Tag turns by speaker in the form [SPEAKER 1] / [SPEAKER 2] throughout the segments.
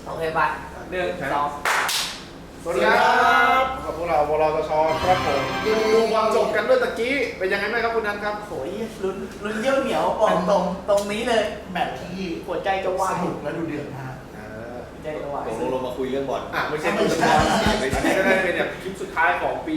[SPEAKER 1] โอเคไป1 2
[SPEAKER 2] สวัสดีครับกับพวกเราวรตชครับผมดูบอลจบกันด้วยตะกี้เป็นยังไงบ้างครับคุณนัทครับ
[SPEAKER 1] โหยลุ้นเยี่ยวเหนียวบอกตรงนี้เลย
[SPEAKER 3] แมตช์ที่
[SPEAKER 1] หัวใจจะวาย
[SPEAKER 3] สนุกและดูเดือดมาก
[SPEAKER 1] หัวใจจะวาย
[SPEAKER 4] ลงมาคุยเรื่องบอล
[SPEAKER 2] ไม่ใช่ดูบอลอันนี้ก็ได้เป็นแบบคลิปสุดท้ายของปี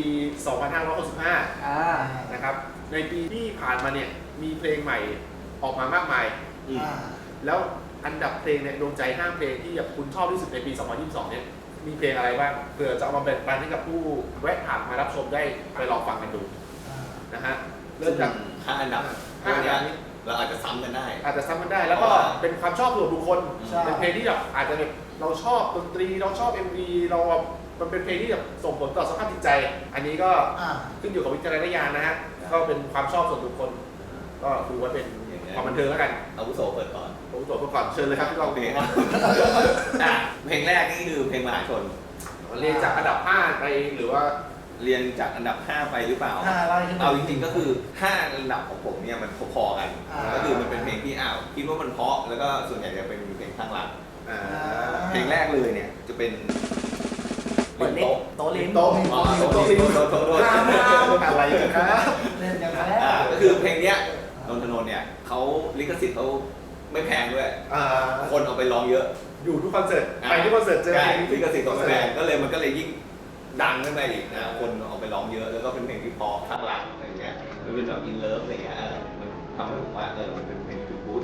[SPEAKER 2] 2565 นะครับในปีที่ผ่านมาเนี่ยมีเพลงใหม่ออกมามากมายแล้วอันดับเพลงเนี่ยโดนใจ5เพลงที่แบบคุณชอบที่สุดในปี 2022 เนี่ยมีเพลงอะไรบ้างเพื่อจะเอามาแบ่งปันให้กับผู้แวะผ่านมารับชมได้ไปลองฟังกันดูนะฮะเริ่มจาก
[SPEAKER 4] 5 อันดับ
[SPEAKER 2] 5 อันดับนี้
[SPEAKER 4] เราอาจจะซ้ำกันได้
[SPEAKER 2] อาจจะซ้ำกันได้แล้วก็เป็นความชอบส่วนบุคคลเป็นเพลงที่แบบอาจจะแบบเราชอบดนตรีเราชอบ MV เรามันเป็นเพลงที่แบบส่งผลต่อสภาพจิตใจ อันนี้ก็ขึ้นอยู่กับวิจารณญาณนะฮะก็เป็นความชอบส่วนบุคคลก็ดูไว้เป็นความบันเทิงแล้วกัน
[SPEAKER 4] อาวุโสเปิดก่อน
[SPEAKER 2] ผมตรวจก่อนเชิญเลยครับพี่กอง
[SPEAKER 4] เพลงเพลงแรกนี่คือเพลงมหาชน
[SPEAKER 2] เรียนจากอันดับ5ไปหรือว่า
[SPEAKER 4] เรียนจากอันดับ5ไปหรือเปล่า
[SPEAKER 3] ไล่ขึ้น
[SPEAKER 4] เอาจริงๆก็คือ5อันดับของผมเนี่ยมันพอๆกันก็คือมันเป็นเพลงที่คิดว่ามันเพราะแล้วก็ส่วนใหญ่จะเป็นเพลงข้างหลังเพลงแรกเลยเนี่ยจะเป็น
[SPEAKER 1] เปิดลิฟต์โต๊ะลิฟต์
[SPEAKER 2] โต๊ะ
[SPEAKER 4] โต๊ะ
[SPEAKER 2] อะไรกันครับ
[SPEAKER 3] เล่นกันแล้ว
[SPEAKER 4] ก็คือเพลงเนี้ยนนทนนท์เนี่ยเขาลิขสิทธิ์เขาไม่แพงด้วยคนเอาไปร้องเยอะ
[SPEAKER 2] อยู่ทุกคอนเสิร์ตไปทุกคอนเสิร์ตเจอเพลง
[SPEAKER 4] ลิขสิทธิ์ของแพงก็เลยมันก็เลยยิ่งดังขึ้นไปอีกนะคนเอาไปร้องเยอะแล้วก็เป็นเพลงที่พอข้างหลังอะไรเงี้ยมันเป็นแบบอินเลิฟอะไรเงี้ยมันทำให้ผมว่ามันเป็นเพลงที่บู๊ด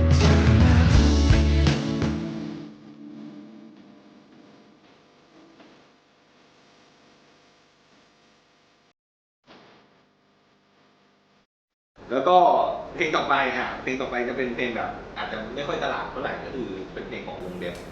[SPEAKER 4] แล้วก็เพลงต่อไปเพลงต่อไปจะเป็นเพลงแบบอาจจะไม่ค่อยตลาดเท่าไหร่ก็คือเป็นเพลงของวงเดฟ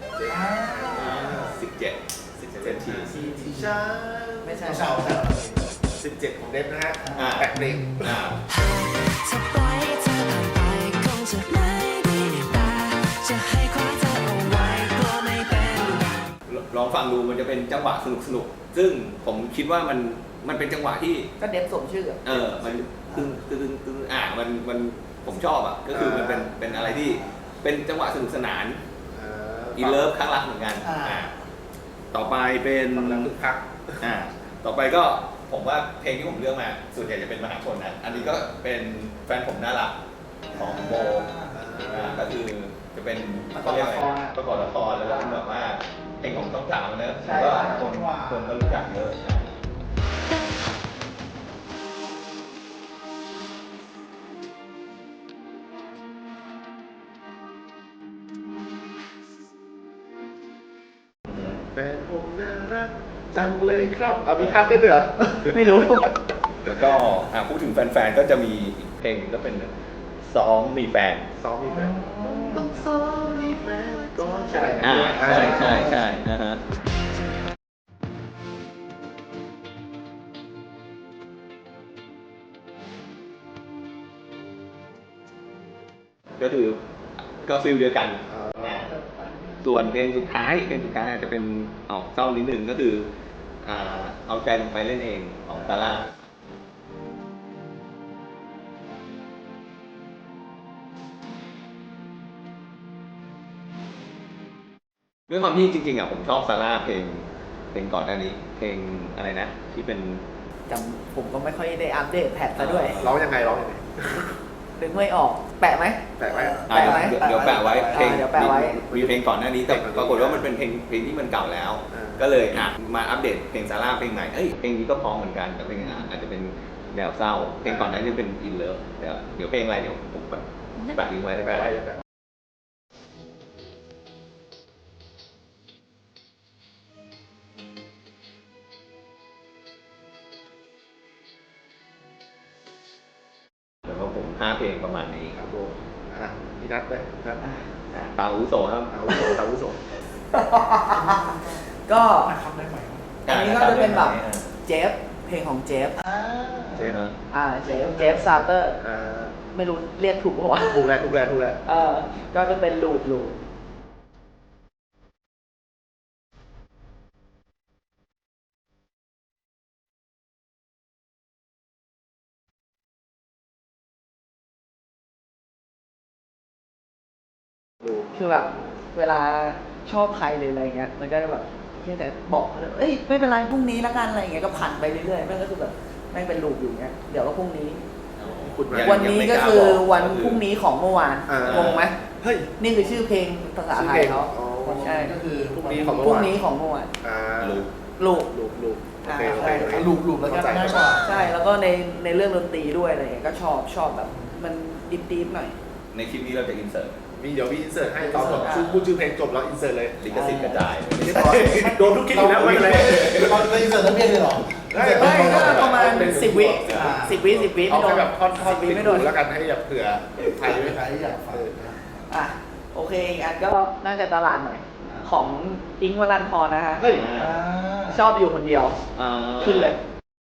[SPEAKER 4] 17 ที
[SPEAKER 2] ช้า
[SPEAKER 1] ไม่ใช่
[SPEAKER 3] เช้า
[SPEAKER 2] 17ของเดฟนะฮะ8เพลง
[SPEAKER 5] จะปล่อยเธอผ่านไปคงจะไม่ดีแต่จะให้คว้าเธอเอาไว้กลัวไม่เป็น
[SPEAKER 4] ลองฟังดูมันจะเป็นจังหวะสนุกซึ่งผมคิดว่ามันเป็นจังหวะที่
[SPEAKER 1] ก็เดฟสมชื่อ
[SPEAKER 4] มันตึงมันผมชอบก็คือมันเป็นอะไรที่เป็นจังหวะสนุกสนานอินเลิฟข้างรักเหมือนกันต่อไปเป็น
[SPEAKER 2] คึกคัก
[SPEAKER 4] ต่อไปก็ผมว่าเพลงที่ผมเลือกมาส่วนใหญ่จะเป็นมหาชนนะอันนี้ก็เป็นแฟนผมน่ารักของโบก็คือจะเป็นประกอบละครแล้วก็แบบว่าเพลงของต้องสาวเนอะแล้วก็คนก็รู้จักเยอะ
[SPEAKER 2] แฟนผมน่ารักจังเลยครับมีท่าเต้นด้วยเหรอ
[SPEAKER 1] ไม่รู้
[SPEAKER 4] แล้วก็พูดถึงแฟนๆก็จะมีอีกเพลงก็เป็นซ้อมมีแฟน
[SPEAKER 2] ซ้อมมีแฟนต้องซ้อมมีแฟนก่อนใช่
[SPEAKER 4] ใช่นะฮะก็คือก็ฟิลเดียวกันส่วนเพลงสุดท้ายอาจจะเป็นออกเศร้านิดนึงก็คือเอาใจลงไปเล่นเองของซาร่าด้วยความที่จริงๆผมชอบซาร่าเพลงก่อนหน้านี้เพลงอะไรนะที่เป็น
[SPEAKER 1] ผมก็ไม่ค่อยได้อัปเดตแพทซะด้วย
[SPEAKER 2] ร้องยังไง
[SPEAKER 1] นึกไม่ออก แปะไหม
[SPEAKER 2] แปะไว้
[SPEAKER 4] เดี๋ยวแปะไว้เพลง
[SPEAKER 1] เดี๋ยวแปะไว้
[SPEAKER 4] มีเพลงก่อนหน้านี้แต่ปรากฏว่ามันเป็นเพลงที่มันเก่าแล้ว ก็เลยมาอัปเดตเพลงซาร่าเพลงใหม่เพลงนี้ก็พร้อมเหมือนกันแต่เพลงอาจจะเป็นแนวเศร้าเพลงก่อนหน้านี้เป็นอินเลิฟเดี๋ยวเพลงอะไรเดี๋ยวผมแปะลิงก์ไว้ได้ไหมแล้วก็ผม5 เพลงประมาณนี้
[SPEAKER 2] ครับผมพี่นัทไปครับ
[SPEAKER 4] ตาอุโสครับ
[SPEAKER 2] ตาวุโส
[SPEAKER 1] ก็
[SPEAKER 3] ทำได้ไหม
[SPEAKER 1] อันนี้ก็จะเป็นแบบเจฟเพลงของเจฟ
[SPEAKER 4] เจ๊นะ
[SPEAKER 1] เจฟซาเตอร์ไม่รู้เรียกถูกป่าวะ
[SPEAKER 2] ถูกแล้ว
[SPEAKER 1] ก็จะเป็นลูดคือแบบเวลาชอบใครเลยอะไรเงี้ยมันก็จะแบบเพียงแต่บอกเอ้ยไม่เป็นไรพรุ่งนี้ละกันอะไรเงี้ยก็ผ่านไปเรื่อยๆแม่งก็คือแบบแม่งเป็นลูปอยู่เงี้ยเดี๋ยวก็พรุ่งนี้
[SPEAKER 2] คุณไหม
[SPEAKER 1] วันนี้ก็คือวันพรุ่งนี้ของเมื่อวาน
[SPEAKER 2] อ่าง
[SPEAKER 1] งไหม
[SPEAKER 2] เฮ้ย
[SPEAKER 1] นี่คือชื่อเพลงภาษาไทยเขา
[SPEAKER 2] อ๋อ
[SPEAKER 1] ใช่
[SPEAKER 3] ก็คือ
[SPEAKER 2] พรุ่งนี้ของ
[SPEAKER 1] พรุ่งนี้ของเมื่อวาน
[SPEAKER 4] ลูก
[SPEAKER 1] ลูก
[SPEAKER 2] ลูกโอเคโอเคโอเค
[SPEAKER 3] ลูบแล้วก็
[SPEAKER 2] เข้าใจ
[SPEAKER 3] ง่ายกว่า
[SPEAKER 1] ใช่แล้วก็ในเรื่องดนตรีด้วยอะไรเงี้ยก็ชอบแบบมันดิบๆหน่อย
[SPEAKER 4] ในคลิปนี้เราจะอินเสิร์ต
[SPEAKER 2] เดี๋ยวมีอินเสิร์ตให้ตอนจบพูดชื่อเพลงจบแล้วอินเสิร์ตเลย
[SPEAKER 4] ลิขสิทธิ์กระจาย
[SPEAKER 2] เรียบร้อยโดนทุกคลิปอยู่แล้วไม่เป็นไร
[SPEAKER 3] เราจะอินเสิร์ตทั้งเพลงเลยเหรอ
[SPEAKER 1] ไม่ก็ประมาณ10 วิ
[SPEAKER 3] อ่า
[SPEAKER 1] 10 วิ10 วิ
[SPEAKER 2] เอา
[SPEAKER 1] ไม่โด
[SPEAKER 2] แค่
[SPEAKER 1] น
[SPEAKER 2] แบบท่อน
[SPEAKER 1] 10 วิ
[SPEAKER 2] ติด
[SPEAKER 1] ไม่โด
[SPEAKER 2] หู
[SPEAKER 1] น
[SPEAKER 2] แล้วกันให้แบบเผื่อใครไม่
[SPEAKER 3] ใครอยากฟัง
[SPEAKER 1] อ่ะโอเคอีกอันก็น่าจะตลาดหน่อยของอิงค์วรันทรนะฮะ
[SPEAKER 2] เฮ้ย
[SPEAKER 1] ชอบอยู่คนเดียวขึ้นเลย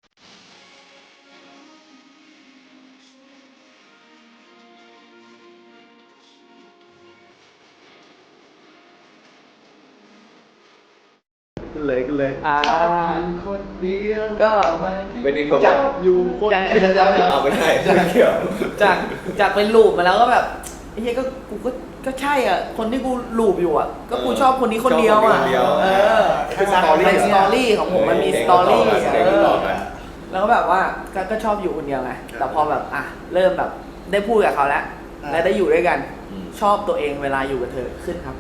[SPEAKER 2] ขึ้นเลย
[SPEAKER 3] คนเดียว
[SPEAKER 1] ก็
[SPEAKER 4] เป็นอินโทร
[SPEAKER 1] จาก
[SPEAKER 2] อยู่คน
[SPEAKER 1] จาก
[SPEAKER 4] เอาไม่ใช่ไม่เกี่ยว
[SPEAKER 1] จากเป็นลูปมาแล้วก็แบบไอ้เหี้ยก็กูก็ใช่อ่ะคนที่กูลูปอยู่อ่ะก็กูชอบคนนี้คนเดียวอ่ะ
[SPEAKER 4] ชอบคนเดียว
[SPEAKER 1] เออ
[SPEAKER 2] เป็นสตอรี่
[SPEAKER 1] เป็นสตอรี่ของผมมันมีสตอรี่
[SPEAKER 4] เพลงต่อกัน
[SPEAKER 1] แล้วก็แบบว่าก็ชอบอยู่คนเดียวไงแต่พอแบบอ่ะเริ่มแบบได้พูดกับเขาแล้วและได้อยู่ด้วยกัน ชอบตัวเองเวลาอยู่กับเธอขึ้นครับ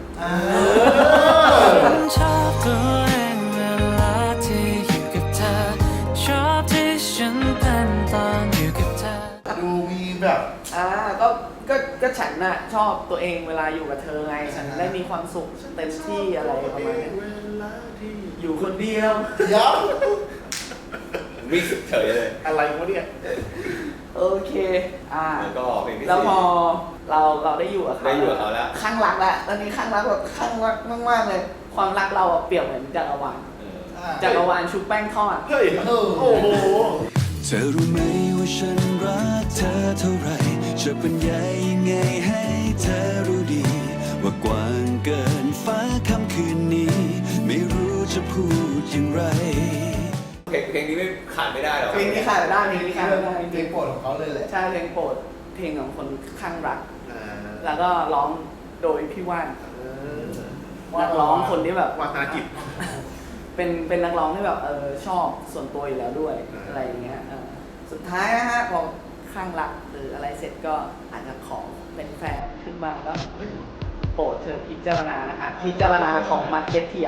[SPEAKER 5] ชอบตัวเองเวลาที่อยู่กับเธอ ชอบที่ฉันเป็นตอนอยู่กับเธอ
[SPEAKER 3] ดูมีแบบ
[SPEAKER 1] ก็ฉันน่ะชอบตัวเองเวลาอยู่กับเธอไงฉันได้มีความสุขเต็มที่อะไรประมาณนี้อยู่คนเดียว
[SPEAKER 3] เดี๋ยว
[SPEAKER 4] วิ่งสุดเฉยเลย
[SPEAKER 2] อะไรวะเนี่ย
[SPEAKER 1] โอเค
[SPEAKER 4] แล้วก็เพลงที่
[SPEAKER 1] แล้วพอ
[SPEAKER 4] สี่
[SPEAKER 1] เราได้อยู่กับเขา
[SPEAKER 4] ได้อยู่กับเขาแล้ว
[SPEAKER 1] ข้างรักแล้วตอนนี้ข้างรักแบบข้างรักมากๆเลย ความรักเราอะเปรียบเหมือนจักรวาลจักรวาลชุบแป้งทอด
[SPEAKER 2] เฮ้ย โอ้โห
[SPEAKER 5] เธอรู้ไหมว่าฉันรักเธอเท่าไรจะบรรยายยังไงให้เธอรู้ดี ว่ากว้างเกินฟ้าค่ำคืนนี้ ไม่รู้จะพูดอย่างไร
[SPEAKER 4] เพลงนี้ไม่ขาดไม่ได้หรอก
[SPEAKER 1] เพลงนี้ขาดไม่ได้เพลงนี้ขาดไม่ได้
[SPEAKER 3] เพลงโปรดของเขาเลยแหละ
[SPEAKER 1] ใช่เพลงโปรดเพลงของคนข้างรัก แล้วก็ร้องโดยพี่ว่านนักร้องคนที่แบบ
[SPEAKER 2] วาธนกิจ
[SPEAKER 1] เป็นนักร้องที่แบบชอบส่วนตัวอยู่แล้วด้วยอะไรอย่างเงี้ยสุดท้ายนะฮะพอข้างรักหรืออะไรเสร็จก็อาจจะขอเป็นแฟนขึ้นมาก็โปรดเธอพิจารณานะคะพิจารณาของมาร์เก็ตเทีย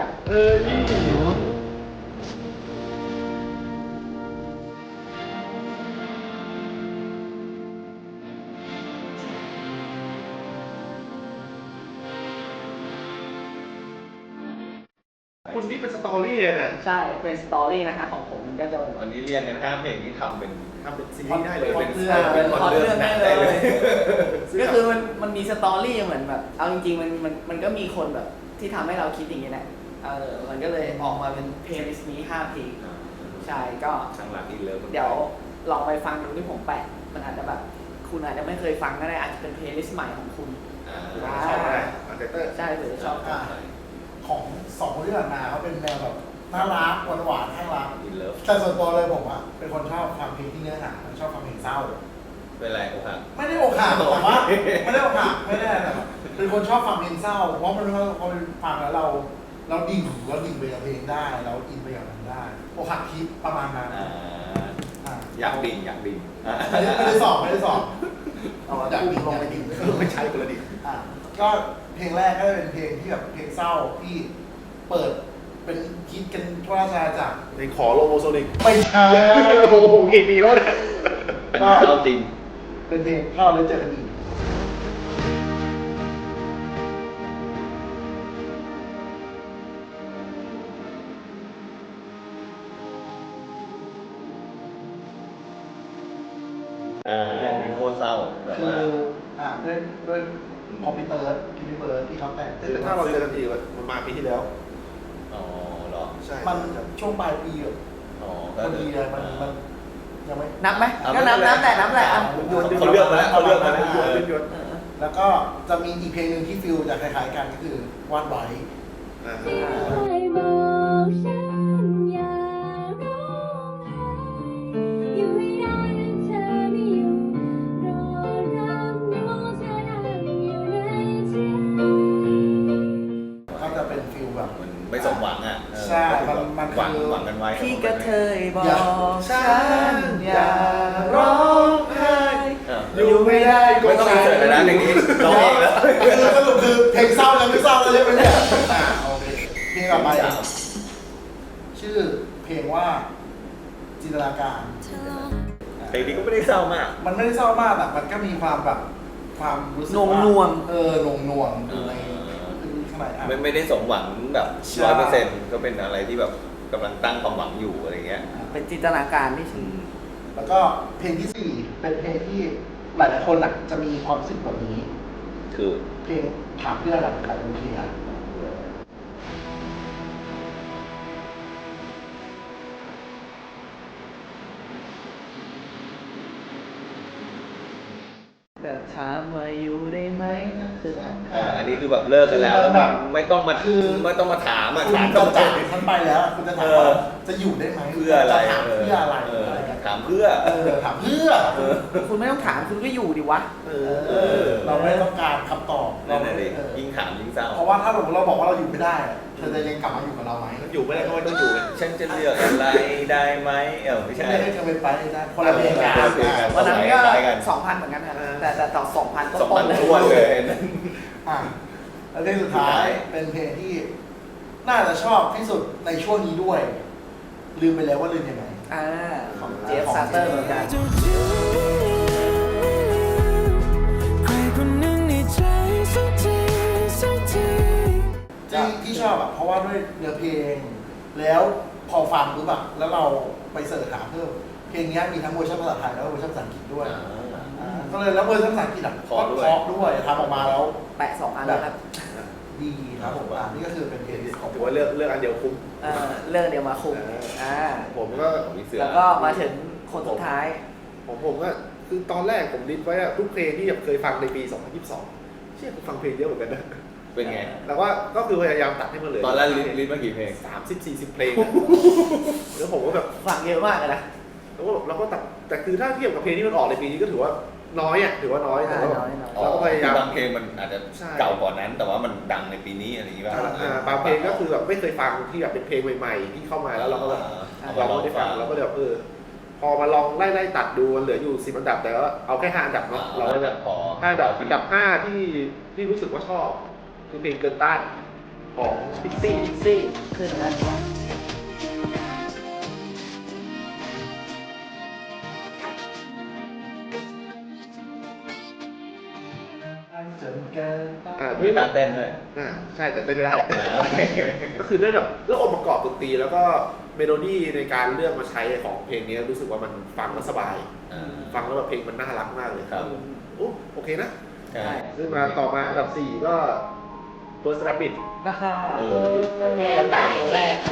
[SPEAKER 2] คุณนี่เป็นสตอรี่เลยเนี่ย
[SPEAKER 1] ใช่เป็นสตอรี่นะคะของผมมันก็จะ
[SPEAKER 4] อันนี้เรียนกัน5เพลงที่ทำเป็น
[SPEAKER 2] ทำเป็นซีรีส์ได้เลย
[SPEAKER 4] เป็น
[SPEAKER 1] เป็นพล็อตเรื่องได้เลย
[SPEAKER 2] ซึ่ง
[SPEAKER 1] ก็คือมันมีสตอรี่เหมือนแบบเอาจริงๆมันก็มีคนแบบที่ทำให้เราคิดอย่างนี้แหละมันก็เลยออกมาเป็นเพลย์ลิสต์นี้5เพลงใช่ก็
[SPEAKER 4] ช่างรักอินเลิฟ
[SPEAKER 1] เดี๋ยวลองไปฟังดูที่ผมแปะมันอาจจะแบบคุณอาจจะไม่เคยฟังก็ได้อาจจะเป็นเพลย์ลิสต์ใหม่ของคุณ
[SPEAKER 2] ชอบอะไรอันเตอร์
[SPEAKER 1] ใช่หรือชอบ
[SPEAKER 3] ของสองคนที่ผ่านมาเขาเป็นแนวแบบน่ารักหวานๆข้างรัก
[SPEAKER 4] อินเลิฟ
[SPEAKER 3] แต่ส่วนตัวเลยผมอะเป็นคนชอบฟังเพลงที่เนื้อหาชอบฟังเพลงเศร้า
[SPEAKER 4] เป็นไรโอ้ครับ
[SPEAKER 3] ไม่ได้อกหักแต่ว่าไม่ได้อกหักไม่ได้อะไรแต่เป็นคนชอบฟังเพลงเศร้าเพราะมันพอเป็นฟังแล้วเราดิ่งไปกับเพลงได้เราอินไปกับมันได้อกหักคิดประมาณนั้น
[SPEAKER 4] อยากดิ่ง
[SPEAKER 3] ไม่ได้สอบอยากดิ่ง
[SPEAKER 1] ลงไปดิ
[SPEAKER 2] ไม่ใช่คนละดิ
[SPEAKER 3] ก็เพลงแรกก็เป็นเพลงที่แบบเพลงเศร้าที่เปิดเป็นคิดกันทั่วราชอาณาจักร
[SPEAKER 2] ในขอโลโมโซนิก
[SPEAKER 3] ไม่ใช่
[SPEAKER 2] โอ้โหกี่ปีแล้วเนี่ย
[SPEAKER 4] เอาจริง
[SPEAKER 3] เป็นเพลงเข้าแล้วเจอกันอีก
[SPEAKER 4] มีโคตรเศร้าแบบ
[SPEAKER 3] คือ
[SPEAKER 4] ว่า
[SPEAKER 3] ด้วยคอมพิวเตอร์ที่เขาแต่ง
[SPEAKER 2] แต่ถ้าเราเจอกันอีกมันมาปีที่แล้ว
[SPEAKER 4] อ๋อเหรอ
[SPEAKER 2] ใช่
[SPEAKER 3] มันช่วงปลายปีอะ
[SPEAKER 4] อ๋อ
[SPEAKER 3] พอดีเลยมันยังไม่
[SPEAKER 1] นับไหมก็นับแหละอ่ะ
[SPEAKER 4] เขาเลือกมาแล้วเขาเลือกมาแล้ว
[SPEAKER 2] หยด
[SPEAKER 3] แล้วก็จะมีอีกเพลงหนึ่งที่ฟิลจะคล้ายๆกันก็คือวาดไว้
[SPEAKER 6] ให้บอกฉันอย่าร้องไห้อยู่ให้ได้นั้นเธอไม่อยู่รอรับรู้เธอนั่งอยู่ในใจ
[SPEAKER 3] ก็จะเป็น
[SPEAKER 4] ไม่สมหวังอ่ะ
[SPEAKER 3] ใช่มัน
[SPEAKER 4] หวัง
[SPEAKER 3] คือ
[SPEAKER 4] หวังกันไว้
[SPEAKER 1] พี่กระเทยบอก
[SPEAKER 3] อย่า
[SPEAKER 1] ฉันอย่าร้องไห้
[SPEAKER 3] อยู่ไม่ได้ก็
[SPEAKER 4] ไม่ต้องมีเสิร์ตเลยนะอย่างนี้ร้องเองแล้ว
[SPEAKER 3] คือสรุปคือเพลงเศร้าแล้วไม่เศร้าแล้วใช่ไหมเนี่ยโอเคเพลงต่อไปชื่อเพลงว่าจินตนาการ
[SPEAKER 4] เพลงนี้ก็ไม่ได้เศร้ามาก
[SPEAKER 3] มันไม่ได้เศร้ามากแต่มันก็มีความแบบความรู้สึก
[SPEAKER 1] นวง
[SPEAKER 3] ว่าน
[SPEAKER 1] วง
[SPEAKER 3] นวงนวงอยู่ในข้างในอ่ะ
[SPEAKER 4] ไม่ได้สมหวังแบบ
[SPEAKER 3] ใช่
[SPEAKER 4] 100%ก็เป็นอะไรที่แบบกำลังตั้งความหวังอยู่อะไรเงี้ย
[SPEAKER 1] เป็นจินตนาการที่ฉัน
[SPEAKER 3] แล้วก็เพลงที่ 4 เป็นเพลงที่หลายๆคนอ่ะจะมีความรู้สึกแบบนี้
[SPEAKER 4] คือ
[SPEAKER 3] เพลงถามเพื่อนอะกับเพลงอะ
[SPEAKER 1] แต่ถามว่าอยู่ได้ไหมคือ
[SPEAKER 4] อันนี้คือแบบเลิกกันแล้วแบบไม่ต้องมาถามอ่ะ
[SPEAKER 3] คุณ
[SPEAKER 4] ถาม
[SPEAKER 3] จะ
[SPEAKER 4] ต้อง
[SPEAKER 3] จากฉันไปแล้วอะคุณจะถามว่าจะอยู่ได้ไหม
[SPEAKER 4] เพื่ออะไร
[SPEAKER 3] จะถามเพื่ออะไร อะไรกัน
[SPEAKER 4] ถามเพื่อ
[SPEAKER 3] ถามเพื่อ
[SPEAKER 1] คุณไม่ต้องถามคุณก็อยู่ดิวะ
[SPEAKER 3] เราไม่ต้องการคำตอบ
[SPEAKER 4] นั่นแหละดิ
[SPEAKER 3] เออ
[SPEAKER 4] ยิ่งถามยิ่งเศร้า
[SPEAKER 3] เพราะว่าถ้าเราบอกว่าเราอยู่ไม่ได้อะเธอจะยังกลับมาอยู่กับเราไหม
[SPEAKER 2] อยู่ไม่ได้ก็ไม่ต้องอยู่ไง
[SPEAKER 4] ฉันจะเลือกอะไรได้ไหมไม่
[SPEAKER 3] ฉั
[SPEAKER 4] ใช่
[SPEAKER 3] นไม่ให้เธอไปได้คนละเพลงกัน
[SPEAKER 4] คนละเพลงกัน
[SPEAKER 1] วันนั้นก็
[SPEAKER 4] คล้ายๆกัน
[SPEAKER 1] 2,000 เหมือนกันครับแต่ต่อ 2,000 ก็
[SPEAKER 4] สอง
[SPEAKER 1] ต้
[SPEAKER 4] พั
[SPEAKER 1] น
[SPEAKER 4] น
[SPEAKER 1] เลย
[SPEAKER 4] ทวนเลย
[SPEAKER 3] อ่ะแล้วเพลงสุดท้ายเป็นเพลงที่น่าจะชอบที่สุดในช่วงนี้ด้วย ลืมไปแล้วว่าลืมยังไง
[SPEAKER 1] ของเจฟซาเตอร์เหมือนกัน
[SPEAKER 5] ใครคนหนึ่งในใจสักทีสักที
[SPEAKER 3] ที่ชอบอ่ะเพราะว่าด้วยเนื้อเพลง แล้วพอฟังปุ๊บอะแล้วเราไปเสิร์ชหาเพิ่มเพลงนี้มีทั้งเวอร์ชันภาษาไทยแล้วก็เวอร์ชันภาษาอังกฤษด้วยก็เลยแล้วเวอร์ชันภาษาอังกฤษอ่ะก็เพราะด้วยทำออกมาแล้ว
[SPEAKER 1] แปะ 2 อันแล้วครับ
[SPEAKER 3] ดีครับผมนี่ก็คือเป็นเพลงของ
[SPEAKER 2] ถือว่าเลือกอันเดียวคุ้ม
[SPEAKER 1] เรื่องเดียวมาคุมอ่า
[SPEAKER 2] ผมก็
[SPEAKER 4] ของพี่เสือ
[SPEAKER 1] แล้วก็มาถึงคนสุดท้าย
[SPEAKER 2] ของผมก็คือตอนแรกผมลิสต์ไว้อะทุกเพลงที่แบบเคยฟังในปี 2022 เชื่อผมฟังเพลงเยอะเหมือนกันนะ
[SPEAKER 4] เป็นไง
[SPEAKER 2] แล้วก็คือพยายามตัดให้มันเหลือ
[SPEAKER 4] ตอนแรกลิสต์มากี่เพลง
[SPEAKER 2] 30-40 เพลงอะแล้วผมก็แบบ
[SPEAKER 1] ฟังเยอะมากเลยนะ
[SPEAKER 2] เราก็ตัดแต่คือถ้าเทียบกับเพลงที่มันออกในปีนี้ก็ถือว่าน้อยอ่ะถือว่าน้อยแต่ว่า
[SPEAKER 1] น้อย
[SPEAKER 2] เราก็พยายาม
[SPEAKER 4] บางเพลงมันอาจจะ
[SPEAKER 2] ใช่
[SPEAKER 4] เก่ากว่านั้น แต่ว่ามันดังในปีนี้อะไรอย่างงี้ป่ะ
[SPEAKER 2] บางเพลงก็คือแบบไม่เคยฟังที่แบบเป็นเพลงใหม่ๆที่เข้ามาแล้วเราก็แบบ เราไม่ได้ฟังเราก็แบบพอมาลองไล่ตัดดูมันเหลืออยู่10 อันดับแต่ว่าเอาแค่5 อันดับเนาะเราก็แบบ
[SPEAKER 4] พอ
[SPEAKER 2] 5 อันดับ5ที่รู้สึกว่าชอบคือเพลงเกินต้านของพิกซี่
[SPEAKER 1] ซี่ขึ้นนะ
[SPEAKER 3] จนเกินไป
[SPEAKER 4] มีการเต้นด้วย
[SPEAKER 2] ใช่แต่เต้นไม่ได้ ก็คือด้วยแบบเรื่ององค์ประกอบดนตรีแล้วก็เมโลดี้ในการเลือกมาใช้ของเพลงนี้รู้สึกว่ามันฟังแล้วสบาย ฟังแล้วแบบเพลงมันน่ารักมากเลย
[SPEAKER 4] ครับ
[SPEAKER 2] โอเคนะ
[SPEAKER 4] ใช่
[SPEAKER 2] ซึ่งมาต่อมาอันดับ 4 ก็ First Rabbit
[SPEAKER 1] นะคะกันต่างตัวแรก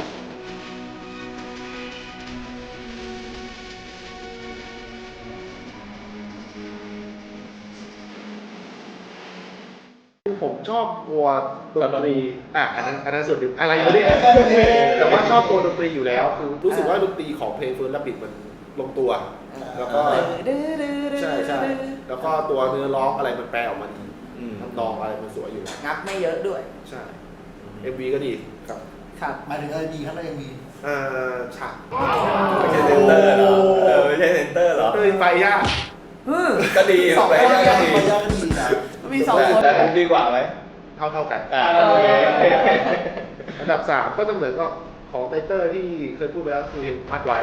[SPEAKER 2] ผมชอบตัวดนตรีอันนั้นส่วนหนึ่งอะไรอยู่เนี่ยแต่ว่าชอบตัวดนตรีอยู่แล้วคือรู้สึกว่าดนตรีของเพลง First Rabbit มันลงตัว แล้วก็ใช่แล้วก็ตัวเนื้อร้องอะไรมันแปลออกมาดีทำนองอะไรมันสวยอยู่แล้ว
[SPEAKER 1] งับไม่เยอะด้วย
[SPEAKER 2] ใช่ MV ก็ดีครับ
[SPEAKER 1] ครับ
[SPEAKER 3] หมายถึงอะไรดีครับในยังมี
[SPEAKER 2] ฉาก
[SPEAKER 4] ไม่ใช่เซนเตอร์เหรอไม่ใช่เซนเตอร์เหรอ
[SPEAKER 2] เต้ยไฟย่า
[SPEAKER 4] ก็ดี
[SPEAKER 1] สอง
[SPEAKER 4] ไป
[SPEAKER 1] คน
[SPEAKER 4] ก็ดี
[SPEAKER 3] มันยากก็ดีนะ
[SPEAKER 1] มี2 คน
[SPEAKER 4] แต่ผมดีกว่าไหม
[SPEAKER 2] เท่ากัน
[SPEAKER 4] โอเค
[SPEAKER 2] อันดับ 3 ก็จะเหมือนก็ของไตเตอร์ที่เคยพูดไปแล้วคือเพลงพัดไว้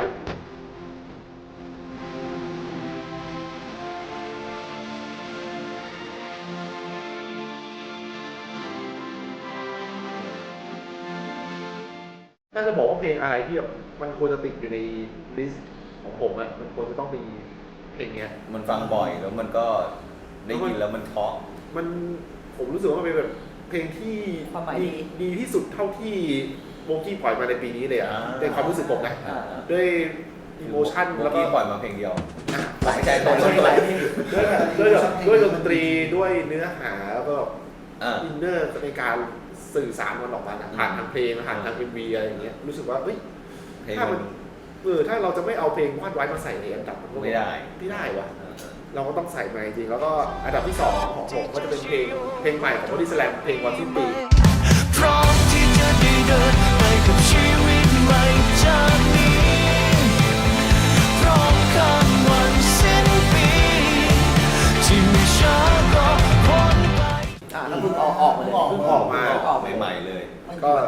[SPEAKER 2] ถ้าจะบอกว่าเพลงอะไรที่แบบมันควรจะติดอยู่ในลิสต์ของผมอะมันควรจะต้องมีเพลงเนี้ย
[SPEAKER 4] มันฟังบ่อยแล้วมันก็ได้ยินแล้วมันเพราะ
[SPEAKER 2] ผมรู้สึกว่ามันเป็นแบบเพลงที่
[SPEAKER 1] ความหมายดี
[SPEAKER 2] ดีที่สุดเท่าที่โบกี้ปล่อยมาในปีนี้เลยอ่ะในความรู้สึกผมนะ
[SPEAKER 1] อ่า
[SPEAKER 2] ด้วยอิโมชัน
[SPEAKER 4] เมื่
[SPEAKER 2] แล้
[SPEAKER 4] อ
[SPEAKER 2] วก็
[SPEAKER 4] กี้ปล่อยมาเพลงเดียว
[SPEAKER 1] หลาย
[SPEAKER 4] ไม่ใช่
[SPEAKER 1] หลาย
[SPEAKER 4] ต้น
[SPEAKER 1] หลายเพลง
[SPEAKER 2] ด้วยดนตรีด้วยเนื้อหาแล้วก็
[SPEAKER 4] อ่า
[SPEAKER 2] อินเนอร์ในการสื่อสารมันออกมาผ่านทางเพลงผ่านทาง MV อะไรอย่างเงี้ยรู้สึกว่าเฮ้ย
[SPEAKER 4] เพลง
[SPEAKER 2] ถ้า
[SPEAKER 4] มั
[SPEAKER 2] มัน นถ้าเราจะไม่เอาเพลงวาดไว้มาใส่ในอันดับมันก็
[SPEAKER 4] ไม่ได้
[SPEAKER 2] ไม่ได้วะเราก็ต้องใส่มาจริงๆแล้วก็อันดับที่ 2 ของผมก็จะเป็นเพลงใหม่ของบอดี้สแลมเพลงวันสิ้นปี
[SPEAKER 5] พร้อมที่จะได้เดิน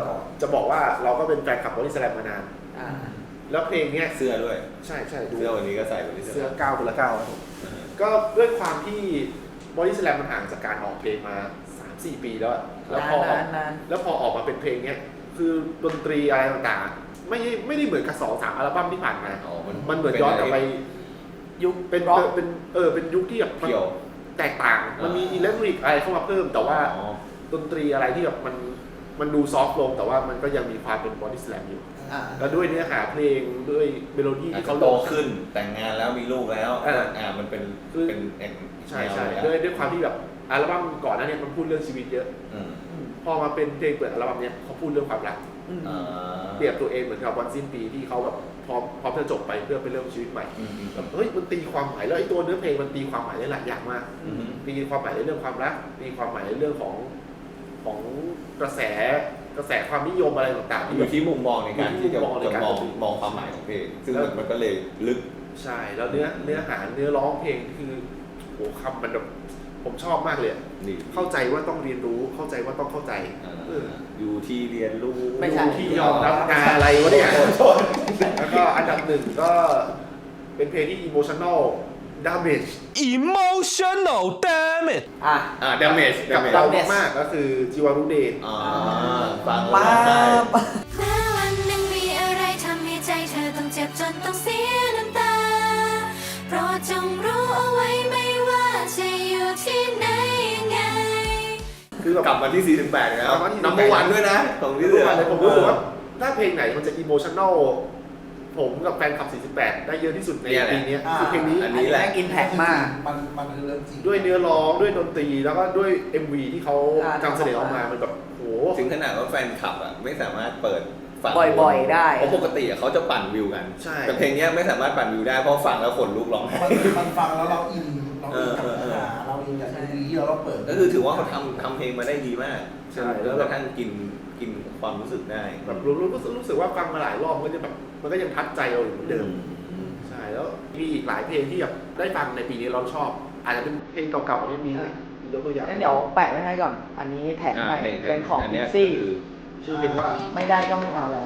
[SPEAKER 3] ก่อน
[SPEAKER 2] จะบอกว่าเราก็เป็นแฟนคลับบอดี้สแลมมานาน
[SPEAKER 1] อ่า
[SPEAKER 2] แล้วเพลงเนี้ย
[SPEAKER 4] เสื้อด้วย
[SPEAKER 2] ใช่ใช่ดู
[SPEAKER 4] เสื้อวันนี้ก็ใส่วันนี้
[SPEAKER 2] เสื้อ9คนละ9ครับผมก็ด้วยความที่บอดี้สแลมมันห่างจากการออกเพลงมา 3-4 ปีแล้วอะแล้วพอ
[SPEAKER 1] นาน
[SPEAKER 2] แล้วพอออกมาเป็นเพลงเนี้ยคือดนตรีอะไรต่างๆไม่ได้เหมือนกับ2-3อัลบั้มที่ผ่านมา
[SPEAKER 4] อ๋อ
[SPEAKER 2] มันเหมือนย้อนกลับไป
[SPEAKER 1] ยุค
[SPEAKER 2] เป็น
[SPEAKER 1] ร็อก
[SPEAKER 2] เป็นยุคที่แบบมัน
[SPEAKER 4] เกี่ยว
[SPEAKER 2] แตกต่าง มันมีอิเล็กทริกอะไรเข้ามาเพิ่ม แต่ว่า
[SPEAKER 4] อ๋อ
[SPEAKER 2] ดนตรีอะไรที่แบบมันดูซอฟต์ลง แต่ว่ามันก็ยังมีความเป็นบอดี้สแลมอยู่
[SPEAKER 1] อ่า
[SPEAKER 2] แล้วด้วยเนื้อหาเพลงด้วยเมโลดี้
[SPEAKER 4] อาจ
[SPEAKER 2] ที่
[SPEAKER 4] จะ
[SPEAKER 2] เขา
[SPEAKER 4] โต
[SPEAKER 2] ลง
[SPEAKER 4] ขึ้นแต่งงานแล้วมีลูกแล้ว มันเป็น
[SPEAKER 2] คือ
[SPEAKER 4] เป็นแนว
[SPEAKER 2] ใช่ใช่
[SPEAKER 4] แนว
[SPEAKER 2] ด้วยความที่แบบอัลบั้มก่อนหน้านี้มันพูดเรื่องชีวิตเยอะ
[SPEAKER 4] อืม
[SPEAKER 2] พอมาเป็นเพลงเปิดอัลบั้มเนี้ยเขาพูดเรื่องความรัก
[SPEAKER 1] อืม
[SPEAKER 4] อ่า
[SPEAKER 2] เปรียบตัวเองเหมือนกับวันสิ้นปีที่เขาแบบพร้อมจะจบไปเพื่อไปเริ่มชีวิตใหม่
[SPEAKER 4] อืม
[SPEAKER 2] แบบเฮ้ยมันตีความหมายแล้วไอ้ตัวเนื้อเพลงมันตีความหมายได้หลายอย่างมาก
[SPEAKER 4] อืม
[SPEAKER 2] ตีความหมายในเรื่องความรักตีความหมายในเรื่องของกระแสความนิยมอะไรต่างๆที่
[SPEAKER 4] อ
[SPEAKER 2] แบบ
[SPEAKER 4] ยู่ที่มุมมองในการที่จะ
[SPEAKER 2] มุมมองในการ
[SPEAKER 4] มองความหมายของเพลงซึ่งมันก็เลยลึก
[SPEAKER 2] ใช่แล้วเนื้อหาเนื้อร้องเพลงคือโหคำมันแบบผมชอบมากเลยอะ
[SPEAKER 4] นี่
[SPEAKER 2] เข้าใจว่าต้องเรียนรู้เข้าใจว่าต้องเข้าใจ
[SPEAKER 4] อยู่ที่เรียนรู้
[SPEAKER 1] ไม่ใช่
[SPEAKER 2] ที่ยอมรับงานอะไรวะเนี่ยแล้วก็อันดับหนึ่งก็เป็นเพลงที่ emotional damage
[SPEAKER 5] Emotional damage
[SPEAKER 1] อ่ะ
[SPEAKER 4] damage
[SPEAKER 2] กับเรามากๆก็คือจิวารุเดย์
[SPEAKER 4] ฟัง
[SPEAKER 1] มา
[SPEAKER 4] แล้วร้องไห้
[SPEAKER 6] แม้วันหนึ่งมีอะไรทำให้ใจเธอต้องเจ็บจนต้องเสียน้ำตาโปรดจงรู้เอาไว้ไม่ว่าจะอยู่ที่ไหนยังไง
[SPEAKER 2] คือแบบ
[SPEAKER 4] กลับมาที่48แล้ว
[SPEAKER 2] กลับมาที่48
[SPEAKER 4] นัมเบอร์วันด้วยนะของพี่
[SPEAKER 2] ทุ
[SPEAKER 4] เสื
[SPEAKER 2] ก
[SPEAKER 4] อ
[SPEAKER 2] วันเลยผมรู้สึกว่าถ้าเพลงไหนมันจะ emotional ผมกับแฟนคลับ 48 ได้เยอะที่สุดในปีนี้คือเพลงนี้
[SPEAKER 4] อัน
[SPEAKER 1] อัน
[SPEAKER 4] นี้
[SPEAKER 1] นี้
[SPEAKER 4] แหละ
[SPEAKER 1] แม่งอินแพกมาก
[SPEAKER 3] มันคือเรื่องจริง
[SPEAKER 2] ด้วยเนื้อร้องด้วยดนตรีแล้วก็ด้วย MV ที่เขา
[SPEAKER 1] อ่า
[SPEAKER 2] นำเสนอออกมามันแบบโห
[SPEAKER 4] ถึงขนาดว่าแฟนคลับอ่ะไม่สามารถเปิดฟัง
[SPEAKER 1] บ่อยๆได้
[SPEAKER 4] เพราะปกติเขาจะปั่นวิวกัน
[SPEAKER 2] ใช่
[SPEAKER 4] แต่เพลงเนี้ยไม่สามารถปั่นวิวได้เพราะฟังแล้วขนลุกร้องไห้
[SPEAKER 3] มันฟังแล้วเราอินกับเนื้อหาเราอินกับดนตรีที่เราเปิด
[SPEAKER 4] ก็คือถือว่าเขาทำเพลงมาได้ดีมาก
[SPEAKER 2] ใช่
[SPEAKER 4] แล้วกระทั่งกินความรู้สึกได้
[SPEAKER 2] แบบรู้สึกว่าฟังมาหลายรอบมันก็จะแบบมันก็ยังทัดใจเราอยู่เหมือนเดิมใช่แล้วมีอีกหลายเพลงที่แบบได้ฟังในปีนี้เราชอบ อาจจะเป็นเพลงเก่าๆที่มียกตัวอย่าง
[SPEAKER 1] งั้นเดี๋ยวแปะไว้ให้ก่อน อันนี้แถมให้เป็นของ
[SPEAKER 4] อัน
[SPEAKER 1] พิ
[SPEAKER 4] เนี้ย
[SPEAKER 1] ซซี่
[SPEAKER 4] คือ
[SPEAKER 2] ชื่อเพลงว่า
[SPEAKER 1] ไม่ได้ก็ไม่เอาแล้ว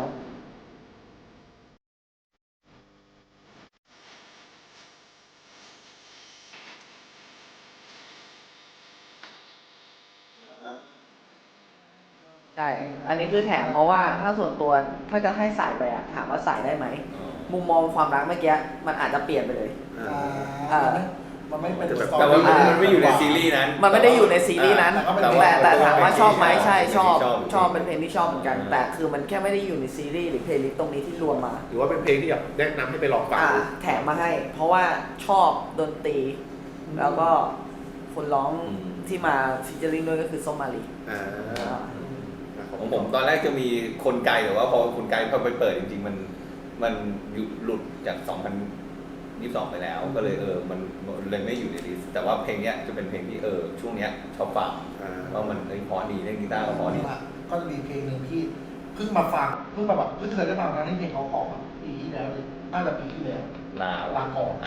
[SPEAKER 1] ใช่ อันนี้คือแถมเพราะว่าถ้าส่วนตัวถ้าจะให้ใส่ไปอะถามว่าใส่ได้ไหม มุมมองความรักเมื่อกี้มันอาจจะเปลี่ยนไปเลย
[SPEAKER 3] มันไม่เป็น
[SPEAKER 4] แต่ว่ามันไม่อยู่ในซีรีส์นั้น
[SPEAKER 1] มันไม่ได้อยู่ในซีรีส์นั้น แต่ถามว่าชอบไหมใช่ชอบ
[SPEAKER 4] ชอบ
[SPEAKER 1] เป็นเพลงที่ชอบเหมือนกัน แต่คือมันแค่ไม่ได้อยู่ในซีรีส์หรือเพลย์ลิสต์ตรงนี้ที่รวมมา
[SPEAKER 2] หรือว่าเป็นเพลงที่แบบแนะนำให้ไปลองฟังดู
[SPEAKER 1] แถมมาให้ เพราะว่าชอบดนตรี แล้วก็คนร้องที่มาฟีเจอริ่งด้วยก็คือส้มมาลี
[SPEAKER 4] ของผมตอนแรกจะมีคนไกลแต่ว่าพอคนไกลพอไปเปิดจริงๆมันหลุดจาก2022ไปแล้วก็เลยมันเลยไม่อยู่ในลิสต์แต่ว่าเพลงเนี้ยจะเป็นเพลงที่ช่วงเนี้ยชอบฟังเพราะมันเพราะดีเล่นกีตาร์ก็เพราะดี
[SPEAKER 3] ก็จะมีเพลงหนึ่งที่เพิ่งมาฟังเพิ่งมาแบบเพิ่งเคยได้ฟังนะนี่เพลงเขาออกปีที่แล้วเลยน่าจะปีที่แล้ว ลาก่อน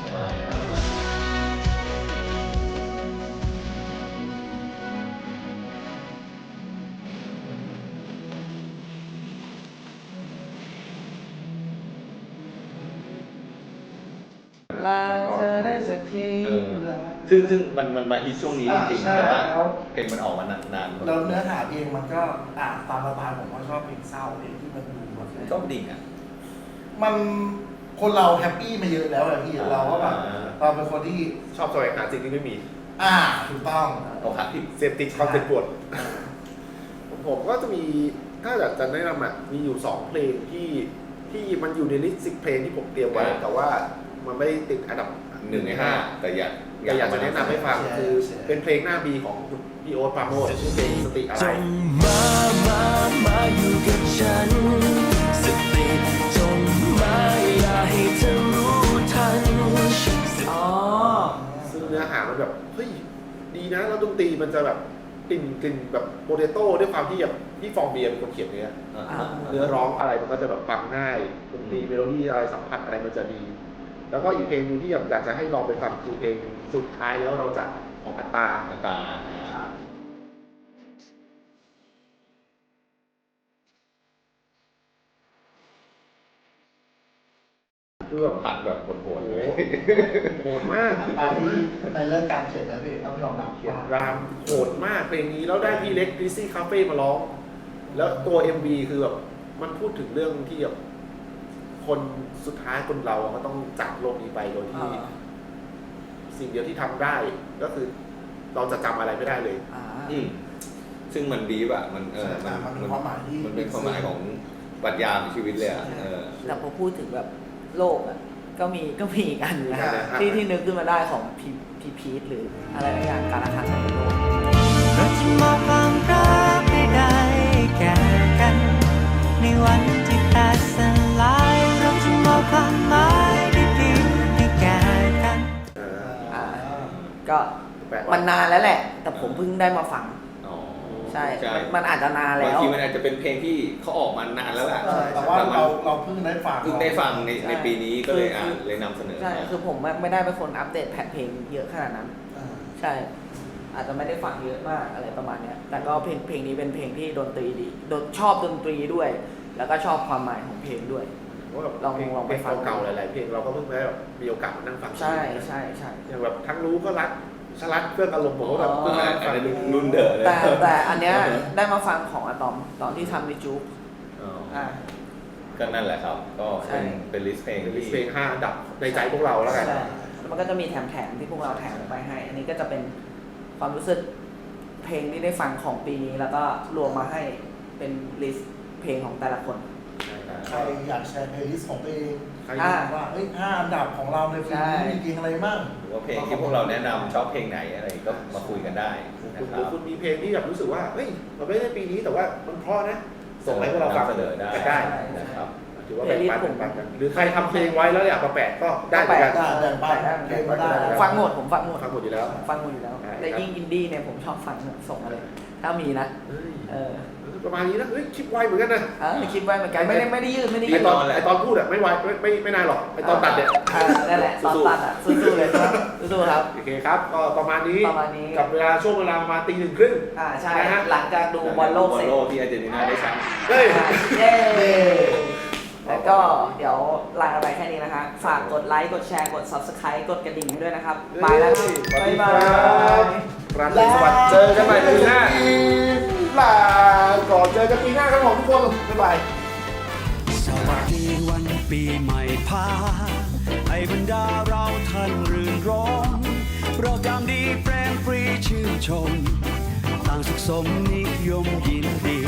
[SPEAKER 1] ลาเธอได้สักที
[SPEAKER 4] ซึ่งมันมาฮิตช่วงนี้จริงๆแต่ว่าเพลงมันออกมานาน
[SPEAKER 3] แล้วเนื้อหาเพลงมันก็ตามสไตล์ผมว่าชอบเพลงเศร้าเพลงที่มันดูแบบ
[SPEAKER 4] ก็ดิ่งอ่ะ
[SPEAKER 3] มันคนเราแฮปปี้มาเยอะแล้วอะพี่เราก็แบบเราเป็นคนที่
[SPEAKER 2] ชอบแสวงหาสิ่งที่ไม่มี
[SPEAKER 3] ถูกต้อง
[SPEAKER 4] เอาขาผิด
[SPEAKER 2] เสพติดความเจ็บปวดผมก็จะมีถ้าอยากจะแนะนำมีอยู่2เพลงที่มันอยู่ในลิสต์10เพลงที่ผมเตรียมไว้แต่ว่ามันไม่ได้ติดอันดับ
[SPEAKER 4] 1 ใน 5แต่อยาก
[SPEAKER 2] อยากจะแนะนำให้ฟังคือเป็นเพลงหน้าบีของพี่โอ๊ตปราโมชชื่อเพลงสติอะไร
[SPEAKER 5] จงมาอยู่กับฉัน สติจงมาอย่าให้เธอรู้ทัน
[SPEAKER 1] อ๋อ
[SPEAKER 2] ซึ่งเนื้อหามันแบบเฮ้ยดีนะแล้วดนตรีมันจะแบบกลิ่นแบบโปเตโต้ด้วยความที่แบบพี่ฟองเบียร์เป็นคนเขียนเนื้อร้องอะไรมันก็จะแบบฟังง่ายดนตรีเมโลดี้อะไรสัมผัสอะไรมันจะดี แล้วก็อีกเพลงนึงที่อยากจะให้ลองไปฟังคือเพลงสุดท้ายแล้วเราจะของอัตตา
[SPEAKER 4] ตา
[SPEAKER 2] คือแบบ
[SPEAKER 4] ตัดแบบโหดๆเลย
[SPEAKER 2] โหดมาก
[SPEAKER 3] ตอนที่ในเรื่องการเขียนนะพี่ต้องยอมรับ
[SPEAKER 2] เขียนรามโหดมากเพลงนี้แล้วได้พี่เล็กดิซี่คาเฟ่มาร้อง แล้วตัว MV คือแบบมันพูดถึงเรื่องที่แบบคนสุดท้ายคนเราก็ต้องจากโลกนี้ไปโดยที่ สิ่งเดียวที่ทำได้ก็คือเราจะจำอะไรไม่ได้เลย
[SPEAKER 4] อืมซึ่งมันดีป่ะมัน
[SPEAKER 3] มันเป็นความหมายที่
[SPEAKER 4] มันเป็นความหมายของปรัชญาของชีวิตเลยอ่ะ
[SPEAKER 1] แต่พอพูดถึงแบบโลกอ่ะก็มีอีกอันนะ
[SPEAKER 2] ใช่
[SPEAKER 1] ที่นึกขึ้นมาได้ของพีทหรืออะไรบางอย่างการละครั้งในโลก
[SPEAKER 7] เราจะมอบความรักให้ได้แก่กัน ในวันที่แตกสลายเราจะมอบความหมายดีๆให้แก่กัน
[SPEAKER 1] ก็มันนานแล้วแหละ แต่ผมเพิ่งได้มาฟัง
[SPEAKER 4] อ๋อ
[SPEAKER 1] ใช่ มันอาจจะนานแล้
[SPEAKER 4] บาง
[SPEAKER 1] ว
[SPEAKER 4] ทีมันอาจจะเป็นเพลงที่เขาออกมานานแล้วแหละ
[SPEAKER 3] แต่ว่าเราเพิ่งได้ฟัง
[SPEAKER 4] เพิ่งได้ฟังในปีนี้ก็เลย
[SPEAKER 1] คือ
[SPEAKER 4] เลยนำเสนอ
[SPEAKER 1] ใช่ คือผมไม่ได้เป็นคนอัปเดตแผ่นเพลงเยอะขนาดนั้น ใช่ อาจจะไม่ได้ฟังเยอะมากอะไรประมาณเนี้ย แต่ก็เพลงนี้เป็นเพลงที่ดนตรีดีชอบดนตรีด้วย แล้วก็ชอบความหมายของเพลงด้วย
[SPEAKER 2] ว่าแบบ
[SPEAKER 1] ลองไป
[SPEAKER 2] เพลง
[SPEAKER 1] ฟัง
[SPEAKER 2] เก่าๆหลายๆเพลงเราก็เพิ่งได้แบบมีโอกาสมานั่งฟัง
[SPEAKER 1] ใช่
[SPEAKER 2] อย่างแบบทั้งรู้ก็รักชลัดเครื่องอารมณ์ผมก็แบบเพิ่งมานั่งฟัง
[SPEAKER 4] รุ่นเดอะเลย
[SPEAKER 1] แต่อันเนี้ยได้มาฟังของอะตอมตอนที่ทำในจุ๊ก
[SPEAKER 4] อ๋อก็นั่นแหละครับ ก็
[SPEAKER 1] ใช่
[SPEAKER 4] เป็นลิสต์เพลง
[SPEAKER 2] เป็นลิสต์เพลง5 อันดับในใจพวกเราแล้วกัน
[SPEAKER 1] ใช่แล้วมันก็จะมีแถมที่พวกเราแถมไปให้ อันนี้ก็จะเป็นความรู้สึกเพลงที่ได้ฟังของปีนี้แล้วก็รวมมาให้เป็นลิสต์เพลงของแต่ละคน
[SPEAKER 3] ใครอยากแชร์เพลย์ลิสต์ของตัวเอง
[SPEAKER 2] ใคร
[SPEAKER 3] ว่า5 อันดับของเราในปีนี้มีเพลงอะไรบ้าง
[SPEAKER 4] หรือว่าเพลงที่พวกเราแนะนำชอบเพลงไหนอะไรก็มาคุยกันได้นะ
[SPEAKER 2] คุณ
[SPEAKER 4] ค
[SPEAKER 2] หรื
[SPEAKER 4] รั
[SPEAKER 2] อบ คุณมีเพลงที่แบบรู้สึกว่าเฮ้ยมันไม่ได้ปีนี้แต่ว่ามันเพราะนะ ส่งให้พวกเราฟัง
[SPEAKER 4] นำเสนอได้
[SPEAKER 2] ได้
[SPEAKER 4] นะครับ
[SPEAKER 2] ถือว่าแบ่งปันกันหรือใครทำเพลงไว้แล้วอยากมาแปะก็ได้เหมือนกัน
[SPEAKER 3] แบ่งปันเพลงมาได้
[SPEAKER 1] ฟังหมดผมฟังหมด
[SPEAKER 2] ฟังหมดอยู่แล้ว
[SPEAKER 1] ฟังหมดอยู่แล้ว
[SPEAKER 2] ใช่
[SPEAKER 1] แต่ยิ่งอินดี้เนี่ยผมชอบฟังส่งมาเลย ถ้ามีนะ
[SPEAKER 2] เฮ้ย
[SPEAKER 1] เออ
[SPEAKER 2] ประมาณนี้นะเฮ้ยคลิปไวเหมือนกันนะ
[SPEAKER 1] คิดไว้เหมือนกันไม่ได้ยืด
[SPEAKER 2] ไอตอนพูดอะไม่ไวไม่นานหรอกไอตอนตัดเนี่ย
[SPEAKER 1] นั่นแหละตอนตัดอ่ะสู้ๆเลยครับสู้ๆครับ
[SPEAKER 2] โอเคครับก็ประมาณนี้ กับช่วงเวลาประมาณ 1:30
[SPEAKER 1] ใช่
[SPEAKER 2] นะฮะ
[SPEAKER 1] หลังจากดูบอลโลกเสร็จ
[SPEAKER 4] บอลโลกที่อาร์เจนตินาได้แชมป์
[SPEAKER 2] เฮ้ย
[SPEAKER 1] เย้แล้วก็เดี๋ยวลาไปแค่นี้นะคะฝากกดไลค์กดแชร์กด Subscribe กดกระดิ่งให้ด้วยนะครับบายแล้วครับ
[SPEAKER 2] สวัสดี
[SPEAKER 1] บ๊าย
[SPEAKER 2] ค
[SPEAKER 1] บา
[SPEAKER 2] รับ
[SPEAKER 1] ย
[SPEAKER 2] ราตรีสวัสดิ์เจอกันใหม่ปีหน้าลาก่อนเจอกันปีหน้าครับผมทุกคนบ๊ายบาย
[SPEAKER 5] สวัสดีวันปีใหม่พาให้บรรดาเราท่านรื่นรมเราจำดีเฟรมฟรีชื่นชมต่างสุขสมนิยมยินดี